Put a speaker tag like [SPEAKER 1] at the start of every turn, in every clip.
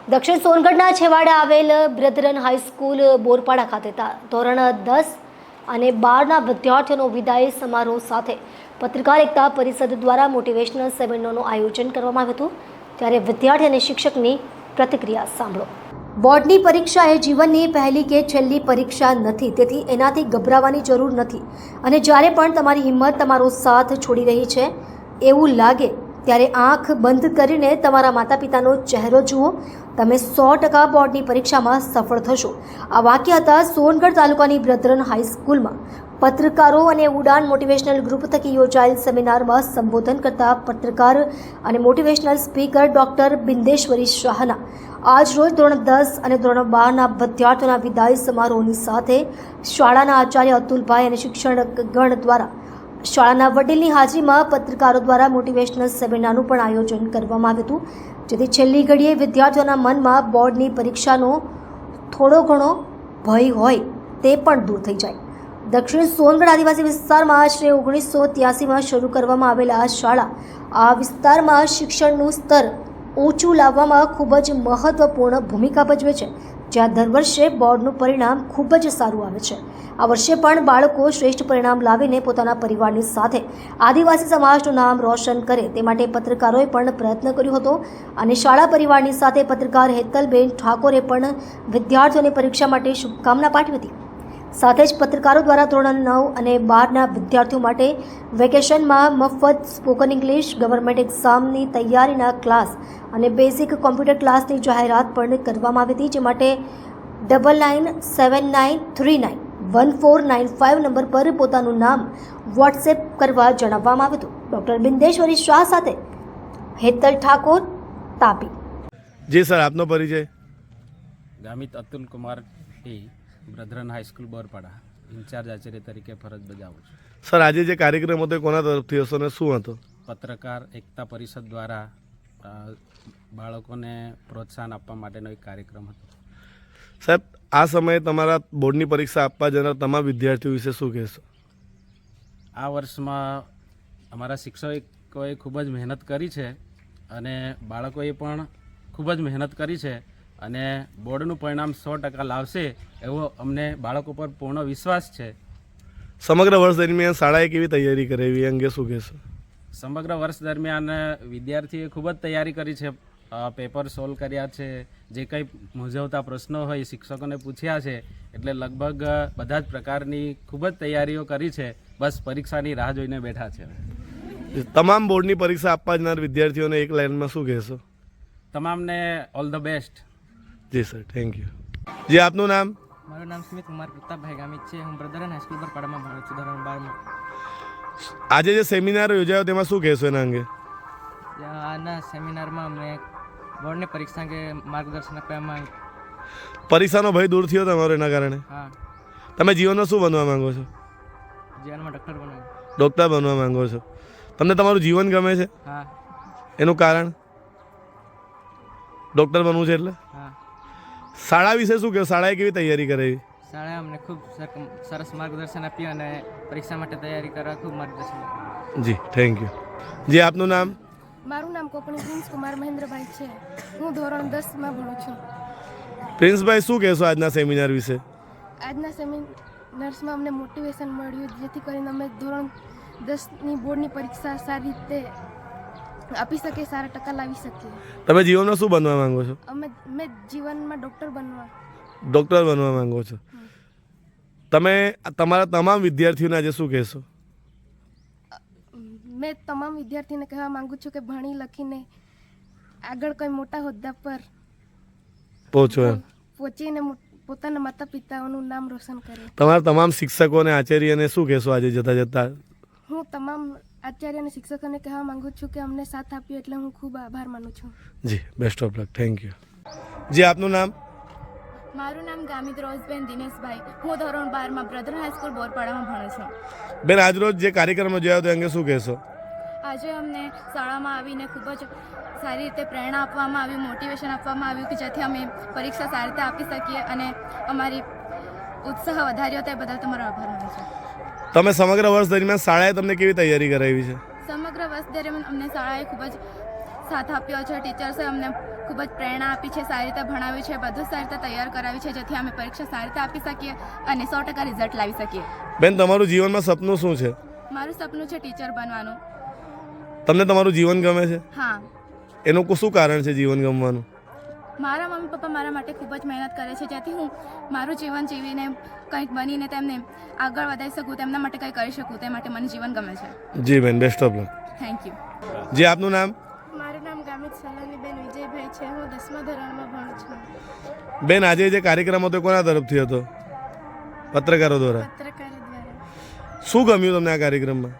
[SPEAKER 1] દક્ષિણ સોનગઢના છેવાડે આવેલ brethren high school બોરપાડા ખાતે ધોરણ 10 અને 12ના વિદ્યાર્થીઓનો વિદાય સમારોહ સાથે પત્રકાર એકતા પરિષદ દ્વારા મોટિવેશનલ સેમિનારનું આયોજન કરવામાં આવ્યું હતું। ત્યારે વિદ્યાર્થી અને શિક્ષકની પ્રતિક્રિયા સાંભળો। બોર્ડની પરીક્ષા એ જીવનની પહેલી કે છેલ્લી પરીક્ષા નથી, તેથી એનાથી ગભરાવાની જરૂર નથી અને જ્યારે પણ તમારી હિંમત તમારો સાથ છોડી રહી છે એવું લાગે ત્યારે આંખ બંધ કરીને તમારા માતા પિતાનો ચહેરો જુઓ, તમે 100% બોર્ડની પરીક્ષામાં સફળ થશો। આ વાક્ય હતા સોનગઢ તાલુકાની બ્રધરન હાઈસ્કૂલમાં પત્રકારો અને ઉડાન મોટિવેશનલ ગ્રુપ થકી યોજાયેલ સેમિનારમાં સંબોધન કરતા પત્રકાર અને મોટિવેશનલ સ્પીકર ડૉક્ટર બિંદેશ્વરી શાહના આજ રોજ ધોરણ 10 અને ધોરણ 12ના વિદ્યાર્થીઓના વિદાય સમારોહની સાથે શાળાના આચાર્ય અતુલભાઈ અને શિક્ષણગણ દ્વારા શાળાના વડીલની હાજરીમાં પત્રકારો દ્વારા મોટિવેશનલ સેમિનારનું પણ આયોજન કરવામાં આવ્યું હતું, જેથી છેલ્લી ઘડીએ વિદ્યાર્થીઓના મનમાં બોર્ડની પરીક્ષાનો થોડો ઘણો ભય હોય તે પણ દૂર થઈ જાય। દક્ષિણ સોનગઢ આદિવાસી વિસ્તારમાં આશરે 1983માં શરૂ કરવામાં આવેલા આ શાળા આ વિસ્તારમાં શિક્ષણનું સ્તર ઊંચું લાવવામાં ખૂબ જ મહત્વપૂર્ણ ભૂમિકા ભજવે છે, જ્યાં દર વર્ષે બોર્ડનું પરિણામ ખૂબ જ સારું આવે છે। આ વર્ષે પણ બાળકો શ્રેષ્ઠ પરિણામ લાવીને પોતાના પરિવારની સાથે આદિવાસી સમાજનું નામ રોશન કરે તે માટે પત્રકારોએ પણ પ્રયત્ન કર્યો હતો અને શાળા પરિવારની સાથે પત્રકાર હેતલબેન ઠાકોરે પણ વિદ્યાર્થીઓને પરીક્ષા માટે શુભકામના પાઠવી હતી। સાથે જ પત્રકારો દ્વારા ધોરણ 9 અને 12ના વિદ્યાર્થીઓ માટે વેકેશનમાં મફત સ્પોકન ઇંગ્લિશ, ગવર્મેન્ટ એક્ઝામની તૈયારીના ક્લાસ અને બેઝિક કોમ્પ્યુટર ક્લાસની જાહેરાત પણ કરવામાં આવી હતી, જે માટે 9979391495 નંબર પર પોતાનું નામ વોટ્સએપ કરવા જણાવવામાં આવ્યું હતું। ડૉક્ટર બિંદેશ્વરી શાહ સાથે હેતલ ઠાકોર, તાપી।
[SPEAKER 2] જી સર, આપનો પરિચય?
[SPEAKER 3] Gamit Atul Kumar T, brethren high school Borpada, in charge આચાર્ય તરીકે ફરજ બજાવું છું।
[SPEAKER 2] સર, આજે જે કાર્યક્રમ હતો એ કોના તરફથી હશો અને શું હતો?
[SPEAKER 3] પત્રકાર એકતા પરિષદ દ્વારા બાળકોને પ્રોત્સાહન આપવા માટેનો એક કાર્યક્રમ હતો।
[SPEAKER 2] સાહેબ, આ સમયે તમારા બોર્ડની પરીક્ષા આપવા જનાર તમામ વિદ્યાર્થીઓ વિશે શું કહેશો?
[SPEAKER 3] આ વર્ષમાં અમારા શિક્ષકોએ ખૂબ જ મહેનત કરી છે અને બાળકોએ પણ ખૂબ જ મહેનત કરી છે અને બોર્ડનું પરિણામ 100% લાવશે એવો અમને બાળકો પર પૂર્ણ વિશ્વાસ છે।
[SPEAKER 2] સમગ્ર વર્ષ દરમિયાન શાળાએ કેવી તૈયારી કરાવી એ અંગે શું કહેશો?
[SPEAKER 3] સમગ્ર વર્ષ દરમિયાન વિદ્યાર્થીઓએ ખૂબ જ તૈયારી કરી છે, પેપર સોલ્વ કર્યા છે, જે કંઈ મૂંઝવતા પ્રશ્નો હોય શિક્ષકોને પૂછ્યા છે, એટલે લગભગ બધા જ પ્રકારની ખૂબ જ તૈયારીઓ કરી છે, બસ પરીક્ષાની રાહ જોઈને બેઠા છે।
[SPEAKER 2] તમામ બોર્ડની પરીક્ષા આપવા જનાર વિદ્યાર્થીઓને એક લાઇનમાં શું કહેશો?
[SPEAKER 3] તમામને ઓલ ધ બેસ્ટ।
[SPEAKER 2] જી સર, થેન્ક યુ। જી, આપનું નામ?
[SPEAKER 4] મારું નામ સ્મિત કુમાર પ્રતાપભાઈ ગામિત છે। હું બ્રધરન હાઈસ્કૂલ બોરપાડામાં ભણું છું, ધોરણ 12માં।
[SPEAKER 2] આજે જે સેમિનાર યોજાયો તેમાં શું કહેશો એના અંગે?
[SPEAKER 4] આના સેમિનારમાં અમને બોર્ડની પરીક્ષા અંગે માર્ગદર્શન આપવામાં આવ્યું।
[SPEAKER 2] પરીક્ષાનો ભય દૂર થયો તમારો એના કારણે?
[SPEAKER 4] હા,
[SPEAKER 2] તમે જીવનમાં શું બનવા માંગો છો?
[SPEAKER 4] જીવનમાં ડૉક્ટર બનાવ્યું।
[SPEAKER 2] ડૉક્ટર બનવા માંગો છો? તમને તમારું જીવન ગમે છે?
[SPEAKER 4] હા।
[SPEAKER 2] એનું કારણ? ડૉક્ટર બનવું છે એટલે?
[SPEAKER 4] હા।
[SPEAKER 2] શાળા વિશે શું કહો? શાળાએ કેવી તૈયારી કરાવી?
[SPEAKER 4] શાળાએ અમને ખૂબ સરસ માર્ગદર્શન આપ્યું અને પરીક્ષા માટે તૈયારી કરવા ખૂબ માર્ગદર્શન આપ્યું।
[SPEAKER 2] જી, થેન્ક યુ। જી, આપનું નામ?
[SPEAKER 5] મારું નામ કોપણી પ્રિન્સ કુમાર મહેન્દ્રભાઈ છે। હું ધોરણ 10માં ભણું છું।
[SPEAKER 2] પ્રિન્સભાઈ, શું કહેશો આજના સેમિનાર વિશે?
[SPEAKER 5] આજના સેમિનાર્સમાં અમને મોટિવેશન મળ્યું, જેથી કરીને અમે ધોરણ 10ની બોર્ડની પરીક્ષા સારી રીતે આપી શકીએ, સારા ટકા લાવી શકીએ।
[SPEAKER 2] તમે જીવનમાં શું બનવા માંગો છો?
[SPEAKER 5] મેં જીવનમાં ડૉક્ટર
[SPEAKER 2] બનવા માંગો છો? તમે તમારા તમામ વિદ્યાર્થીઓને આજે શું કહેશો?
[SPEAKER 5] મેં તમામ વિદ્યાર્થીને કહેવા માંગુ છું કે ભણી લખીને આગળ કોઈ મોટા હોદ્દા પર પહોંચીને પોતાના માતા પિતાઓનું નામ રોશન કરે।
[SPEAKER 2] તમારા તમામ શિક્ષકો અને આચાર્યને શું કહેશો આજે જતા જતા?
[SPEAKER 5] હું તમામ આચાર્ય અને શિક્ષકોને કહેવા માંગુ છું કે અમને સાથ આપ્યો એટલે હું ખૂબ આભાર માનું છું।
[SPEAKER 2] જી, best of luck, thank you. જી, આપનું નામ?
[SPEAKER 6] મારું નામ ગામિત રોઝબેન દિનેશભાઈ। હું ધોરણ 12માં બ્રધરન હાઈસ્કૂલ બોરપાડામાં ભણું છું।
[SPEAKER 2] બેન, આજરોજ જે કાર્યક્રમ યોજાયો તે અંગે શું કહેશો?
[SPEAKER 6] આજે અમને શાળામાં આવીને ખૂબ જ સારી રીતે પ્રેરણા આપવામાં આવી, મોટિવેશન આપવામાં આવ્યું કે જેથી અમે પરીક્ષા સારી રીતે આપી શકીએ અને અમારી ઉત્સાહ વધાર્યો તે બદલ તમારો આભાર માનું છું।
[SPEAKER 2] તમે સમગ્ર વર્ષ દરમિયાન શાળાએ તમને કેવી તૈયારી કરાવી છે?
[SPEAKER 6] સમગ્ર વર્ષ દરમિયાન અમને શાળાએ ખૂબ જ સાથ આપ્યો છે। ટીચર્સે અમને ખૂબ જ પ્રેરણા આપી છે, સારી રીતે ભણાવ્યું છે, બધું સારી રીતે તૈયાર કરાવ્યું છે, જેથી અમે પરીક્ષા સારી રીતે આપી શકીએ અને 100% રિઝલ્ટ લાવી શકીએ.
[SPEAKER 2] બેન, તમારું જીવનમાં સપનું શું છે?
[SPEAKER 6] મારું સપનું છે ટીચર બનવાનું.
[SPEAKER 2] તમને તમારું જીવન ગમે છે?
[SPEAKER 6] હા,
[SPEAKER 2] એનું શું કારણ છે જીવન ગમવાનું?
[SPEAKER 6] મારા મમ્મી પપ્પા મારા માટે ખૂબ જ મહેનત કરે છે, જેથી હું મારું જીવન જીવીને કંઈક બનીને તેમને આગળ વધારી શકું, તેમના માટે કંઈ કરી શકું, તે માટે મને જીવન ગમે છે.
[SPEAKER 2] જી બેન, best of luck.
[SPEAKER 6] Thank you.
[SPEAKER 2] જી, આપનું નામ?
[SPEAKER 5] મારું નામ ગામિત સલોનીબેન વિજયભાઈ છે. હું 10મા ધોરણમાં ભણું છું.
[SPEAKER 2] બેન, આજે જે કાર્યક્રમ હતો કોના તરફથી હતો? પત્રકારો દ્વારા.
[SPEAKER 5] પત્રકાર દ્વારા.
[SPEAKER 2] શું ગમ્યું તમને આ કાર્યક્રમમાં?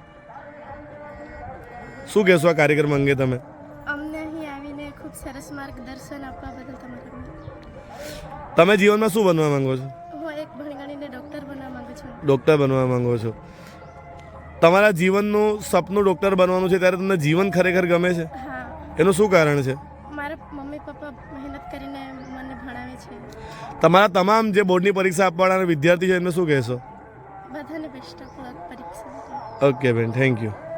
[SPEAKER 2] શું કહેશો આ કાર્યક્રમ અંગે તમે?
[SPEAKER 5] અમને અહીં આવીને ખૂબ સરસ માર્ગદર્શન આપવા બદલ તમારો
[SPEAKER 2] તમે જીવનમાં શું બનવા માંગો છો?
[SPEAKER 5] હું એક ભણગણીને ડૉક્ટર બનવા માંગુ છું.
[SPEAKER 2] ડૉક્ટર બનવા માંગો છો. તમારા જીવનનું સપનું ડૉક્ટર બનવાનું છે, ત્યારે તમને જીવન ખરેખર ગમે છે?
[SPEAKER 5] હા,
[SPEAKER 2] એનું શું કારણ છે?
[SPEAKER 5] મારા મમ્મી પપ્પા મહેનત કરીને મને ભણાવે છે.
[SPEAKER 2] તમારા તમામ જે બોર્ડની પરીક્ષા આપવાના વિદ્યાર્થી છે એમને શું કહેશો?
[SPEAKER 5] બધાને બેસ્ટ ઓફ લક પરીક્ષા માટે.
[SPEAKER 2] ઓકે બેન, થેન્ક યુ.